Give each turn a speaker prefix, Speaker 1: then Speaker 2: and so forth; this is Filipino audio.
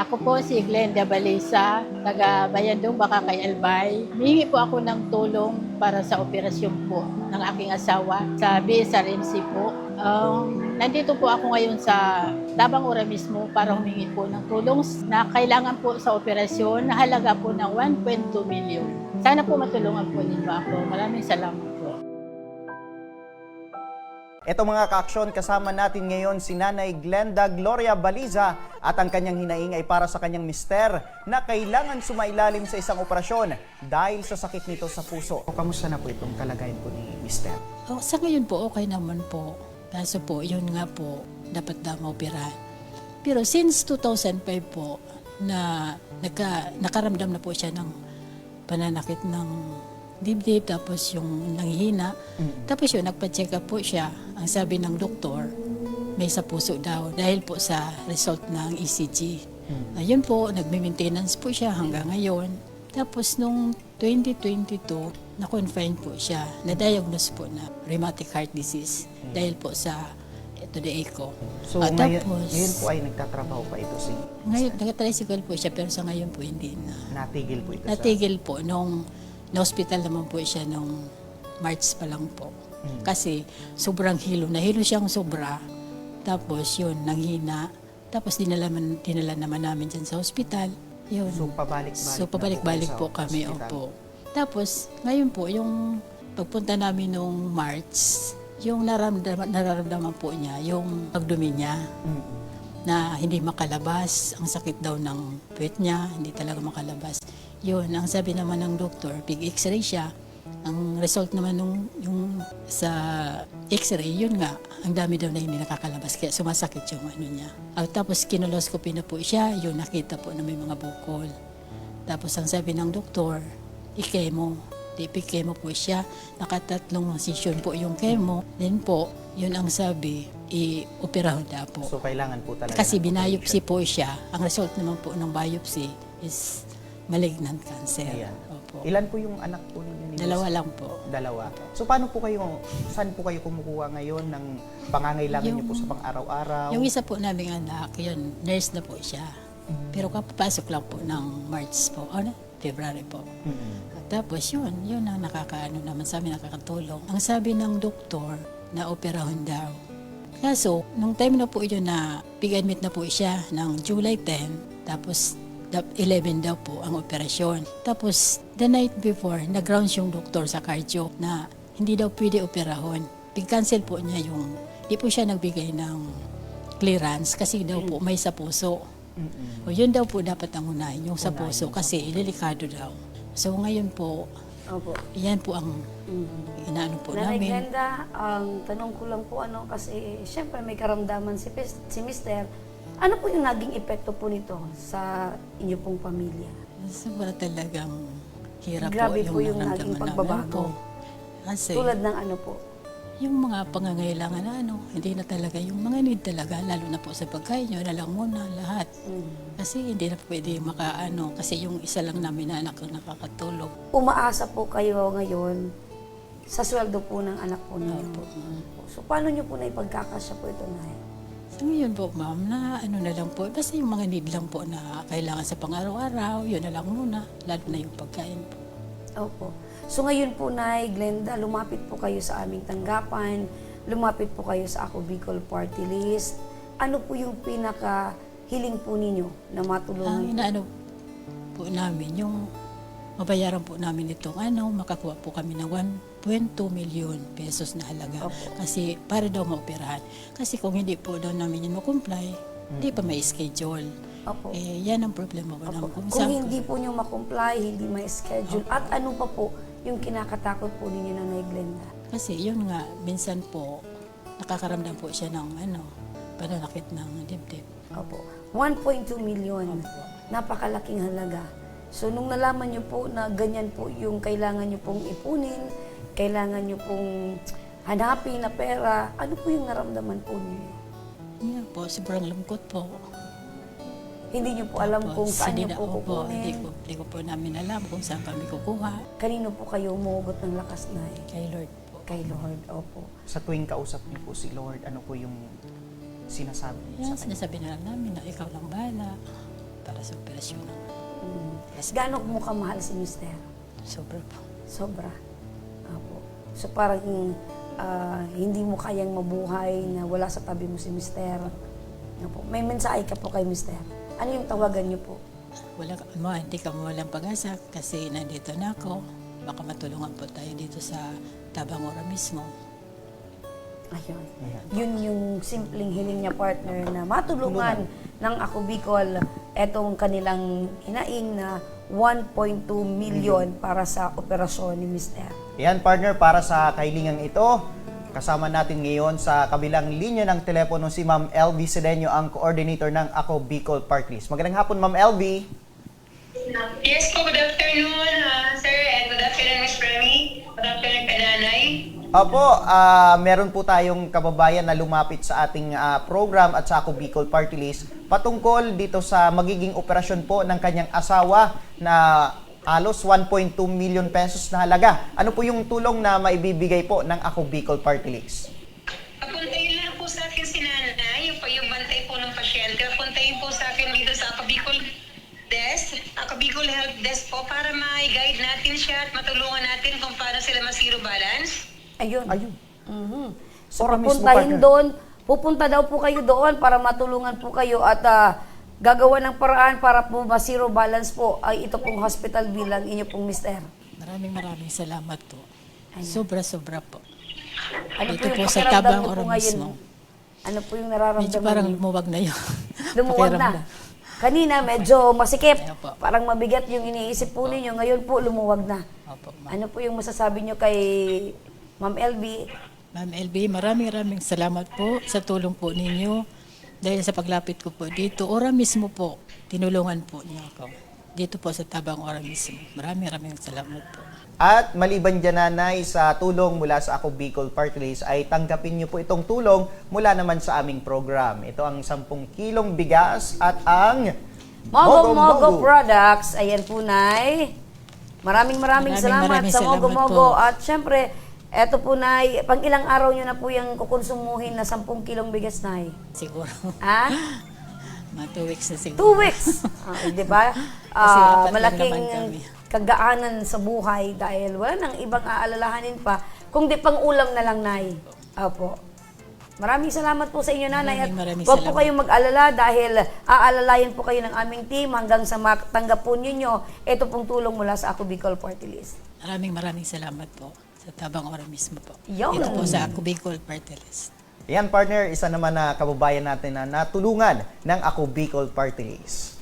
Speaker 1: Ako po si Glenda Balisa, taga Bayandong, Bakakay, Albay. Humingi po ako ng tulong para sa operasyon po ng aking asawa sa BSRMC po. Nandito po ako ngayon sa Tabang Ora mismo para humingi po ng tulong na kailangan po sa operasyon na halaga po ng 1.2 million. Sana po matulungan po ninyo ako. Maraming salamat po.
Speaker 2: Ito mga ka-aksyon, kasama natin ngayon si Nanay Glenda Gloria Baliza at ang kanyang hinaing ay para sa kanyang mister na kailangan sumailalim sa isang operasyon dahil sa sakit nito sa puso. Kamusta na po itong kalagayan po ni mister?
Speaker 3: Sa ngayon po, okay naman po. Kaso po, yun nga po, dapat na maoperahan. Pero since 2005 po, na nakaramdam na po siya ng pananakit ng dibdib, tapos yung nanghihina. Tapos yun, nagpa-check up po siya. Ang sabi ng doktor, may sa puso daw dahil po sa result ng ECG. Ayun po, nagme-maintenance po siya hanggang ngayon. Tapos nung 2022, na-confine po siya, na-diagnose po na rheumatic heart disease dahil po sa the echo.
Speaker 2: So ngayon po ay nagtatrabaho pa ito si
Speaker 3: ngayon, nag-tricycle po siya pero sa ngayon po hindi na.
Speaker 2: Natigil po ito
Speaker 3: Natigil po nung na-hospital naman po siya nung March pa lang po. Kasi sobrang hilo. Nahilo siyang sobra. Tapos yun, nanghina. Tapos dinala naman namin dyan sa hospital. Yun.
Speaker 2: So pabalik-balik
Speaker 3: po kami. Opo. Tapos ngayon po, yung pagpunta namin nung March, yung nararamdaman po niya, yung pagdumi niya, na hindi makalabas. Ang sakit daw ng puwet niya, hindi talaga makalabas. Yun, ang sabi naman ng doktor, big x-ray siya. Ang result naman yung sa x-ray, yun nga, ang dami daw na hindi nakakalabas, kaya sumasakit yung ano niya. Tapos kinoloscopy na po siya, yun, nakita po na may mga bukol. Tapos ang sabi ng doktor, i-chemo. Chemo po siya, nakatatlong session po yung chemo. Then po, yun ang sabi, i-operahan na po.
Speaker 2: So kailangan po talaga.
Speaker 3: Kasi binayopsy po siya, ang result naman po ng biopsy is malignant cancer.
Speaker 2: Ayan.
Speaker 3: Opo.
Speaker 2: Ilan po yung anak po ninyo?
Speaker 3: Dalawa lang po.
Speaker 2: Dalawa. So paano po kayo, saan po kayo kumukuha ngayon ng pangangailangan niyo po sa pang-araw-araw?
Speaker 3: Yung isa po naming anak, yun, nurse na po siya. Pero kapapasok lang po ng March po, February po. Tapos yun ang nakakaano naman sa amin, nakakatulong. Ang sabi ng doktor, na operahon daw. Kaso, nung time na po yun na pig-admit na po siya ng July 10, tapos 11 daw po ang operasyon. Tapos, the night before, nag-rounds yung doktor sa cardio na hindi daw pwede operahon. Pig-cancel po niya yung, di po siya nagbigay ng clearance kasi daw po may sa puso. O yun daw po dapat ang unahin, yung sa puso kasi ililikado daw. So ngayon po, yan po ang inaano po
Speaker 4: Nanay
Speaker 3: namin.
Speaker 4: Glenda, ang tanong ko lang po kasi siyempre may karamdaman si Mister. Ano po yung naging epekto po nito sa inyo pong pamilya?
Speaker 3: Sobra talagang hirap
Speaker 4: Grabe
Speaker 3: po
Speaker 4: po yung
Speaker 3: naramdaman
Speaker 4: naging
Speaker 3: namin
Speaker 4: pagbabago.
Speaker 3: po. Kasi
Speaker 4: Tulad ng ano po?
Speaker 3: yung mga pangangailangan na hindi na talaga, yung mga need talaga, lalo na po sa pagkain nyo, na lang muna lahat. Kasi hindi na pwede kasi yung isa lang namin na anak ang nakakatulog.
Speaker 4: Umaasa po kayo ngayon sa sweldo po ng anak po ninyo. So paano nyo po na ipagkakasya po ito, Nay?
Speaker 3: So ngayon po, ma'am, na na lang po, basta yung mga need lang po na kailangan sa pang-araw-araw, yun na lang muna, lalo na yung pagkain po.
Speaker 4: Opo. So ngayon po, Nay Glenda, lumapit po kayo sa aming tanggapan, lumapit po kayo sa Ako Bicol Party List. Ano po yung pinaka-hiling po ninyo na matulungan?
Speaker 3: Ang inaano po namin, yung mabayaran po namin itong makakuha po kami ng 1.2 million pesos na halaga.
Speaker 4: Opo.
Speaker 3: Kasi para daw maoperahan. Kasi kung hindi po daw namin yun ma-comply, hindi pa may schedule.
Speaker 4: Opo.
Speaker 3: Yan ang problema po namin.
Speaker 4: Kung hindi po nyo ma-comply, hindi may schedule, at ano pa po yung kinakatakot po ninyo, Nanay Glenda?
Speaker 3: Kasi yun nga, minsan po, nakakaramdam po siya ng pananakit ng dibdib.
Speaker 4: Opo. 1.2 million. Napakalaking halaga. So, nung nalaman nyo po na ganyan po yung kailangan nyo pong ipunin, kailangan nyo pong hanapin na pera, ano po yung naramdaman po ninyo?
Speaker 3: Yan po, sobrang lungkot po.
Speaker 4: Hindi nyo po alam kung saan nyo po
Speaker 3: Hindi
Speaker 4: kukunin.
Speaker 3: ko po namin alam kung saan kami kukuha.
Speaker 4: Kanino po kayo umugot ng lakas, Nay?
Speaker 3: Kay Lord po.
Speaker 4: Kay Lord, opo.
Speaker 2: Sa tuwing kausap niyo po si Lord, ano po yung sinasabi niyo
Speaker 3: Yan,
Speaker 2: sa kanya?
Speaker 3: sinasabi na lang namin na ikaw lang bahala para sa operasyon ng
Speaker 4: Gaano mo kamahal si Mister?
Speaker 3: sobra po.
Speaker 4: Sobra. Apo. So parang hindi mo kayang mabuhay na wala sa tabi mo si Mister. Apo. May mensahe ka po kay Mister. Ano yung tawagan niyo po?
Speaker 3: Hindi ka mawalang pag-asa kasi nandito na ako. Baka matulungan po tayo dito sa Tabangora mismo.
Speaker 4: Ayun. Yun yung simpleng hiling niya, partner, na matulungan ng Ako Bicol etong kanilang hinaing na 1.2 million para sa operasyon ni Mister.
Speaker 2: Yan partner, para sa kahilingang ito, kasama natin ngayon sa kabilang linya ng telepono si Ma'am LV Sedeño, ang coordinator ng Ako Bicol Party List. Magandang hapon, Ma'am LV.
Speaker 5: Yes po, good afternoon, sir, and good afternoon, Ms. Remy. Good afternoon, Kananay.
Speaker 2: Opo, meron po tayong kababayan na lumapit sa ating program at sa Ako Bicol Party List patungkol dito sa magiging operasyon po ng kanyang asawa na halos 1.2 million pesos na halaga. Ano po yung tulong na maibibigay po ng Ako Bicol Party List?
Speaker 5: Papuntayin lang po sa akin si Nanay, yung bantay po ng pasyente. Papuntayin po sa akin dito sa Ako Bicol Desk, Ako Bicol Health Desk po, para ma-guide natin siya at matulungan natin kung paano sila ma-zero balance.
Speaker 4: Ayun.
Speaker 2: Ayun.
Speaker 4: Mhm. So
Speaker 2: Ora mismo,
Speaker 4: pupuntahin
Speaker 2: partner.
Speaker 4: doon, pupunta daw po kayo doon para matulungan po kayo at gagawa ng paraan para po ma-zero balance po ay ito pong hospital bilang inyo pong Mister.
Speaker 3: Maraming salamat po. Sobra-sobra po.
Speaker 4: Ano
Speaker 3: Dito po
Speaker 4: yung
Speaker 3: sa
Speaker 4: pakiramdam
Speaker 3: Tabang
Speaker 4: niyo po
Speaker 3: Ora
Speaker 4: ngayon?
Speaker 3: mismo.
Speaker 4: Ano po yung nararamdaman
Speaker 3: Medyo parang
Speaker 4: niyo?
Speaker 3: lumuwag na yun.
Speaker 4: Lumuwag na.
Speaker 3: Pakiramdam.
Speaker 4: Kanina medyo masikip.
Speaker 3: Ayaw po.
Speaker 4: Parang mabigat yung iniisip po ninyo. Ngayon po lumuwag na.
Speaker 3: Opo, ma'am.
Speaker 4: Ano po yung masasabi niyo kay Ma'am LB?
Speaker 3: Ma'am LB, maraming salamat po sa tulong po ninyo. Dahil sa paglapit ko po dito, ora mismo po, tinulungan po niyo ako. Dito po sa Tabang Ora mismo. Maraming salamat po.
Speaker 2: At maliban dyan, Nanay, sa tulong mula sa Ako Bicol Party List, ay tanggapin niyo po itong tulong mula naman sa aming program. Ito ang 10 kilong bigas at ang
Speaker 4: Mogo Products. Ayan po, Nay. Maraming salamat sa
Speaker 3: salamat
Speaker 4: Mogo.
Speaker 3: po.
Speaker 4: At syempre, eto po, Nay, pang ilang araw nyo na po yung kukonsumuhin na 10 kilong bigas, Nay?
Speaker 3: Siguro.
Speaker 4: Ha?
Speaker 3: Mga 2 weeks na siguro.
Speaker 4: 2 weeks! Di ba?
Speaker 3: Kasi apat lang
Speaker 4: Malaking
Speaker 3: naman kami.
Speaker 4: kagaanan sa buhay dahil wala nang ibang aalalahanin pa, kung di pang ulam na lang, Nay. Opo. Maraming salamat po sa inyo, Nanay. At
Speaker 3: Maraming
Speaker 4: huwag po
Speaker 3: salamat.
Speaker 4: kayong mag-alala dahil aalalayan po kayo ng aming team hanggang sa matanggap po ninyo ito pong tulong mula sa Ako Bicol Party List.
Speaker 3: Maraming salamat po sa Tabang Ora mismo po.
Speaker 4: Yun.
Speaker 3: Dito po sa Ako Bicol Party List.
Speaker 2: Yan, partner, isa naman na kababayan natin na natulungan ng Ako Bicol Party List.